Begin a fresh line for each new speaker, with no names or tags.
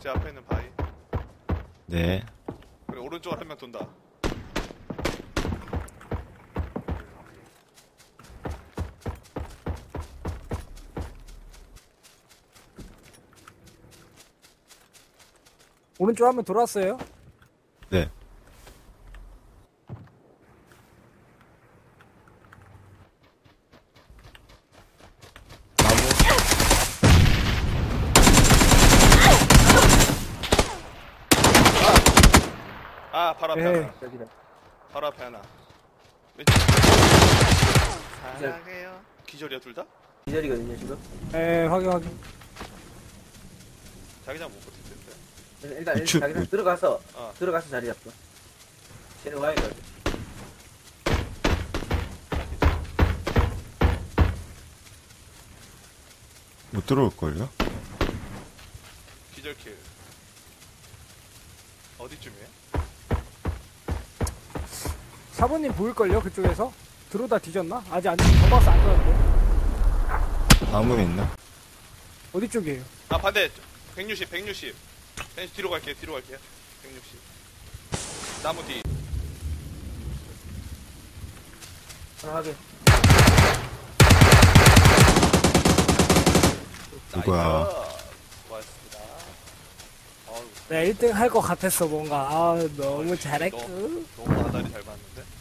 제 앞에 있는 바위.
네.
그리고 오른쪽으로 한 명 돈다.
오른쪽 한번 돌았어요.
네. 나무.
아, 바로 앞에
네.
하나.
여기다.
바로 앞에 하나. 왼쪽. 사랑해요. 기절이야, 둘 다?
기절이거든요 지금.
에 확인.
자기장 못 버틸 텐데.
일단
우측,
자기장
우측.
들어가서 자리 잡고. 쟤는 와야 돼.
못 들어올걸요?
기절킬. 어디쯤이에요?
사부님 보일걸요 그쪽에서? 들어오다 뒤졌나? 아직 안 전박스 안 들었는데.
나무에 있나?
어디 쪽이에요?
아, 반대. 160. 뒤로 갈게요. 160. 나무 뒤.
하나 하게.
누구야?
나이스. 수고하셨습니다. 어우,
네 1등 할 것 같았어 뭔가. 아 너무 잘했고.
너무 아다리 잘 봤는데.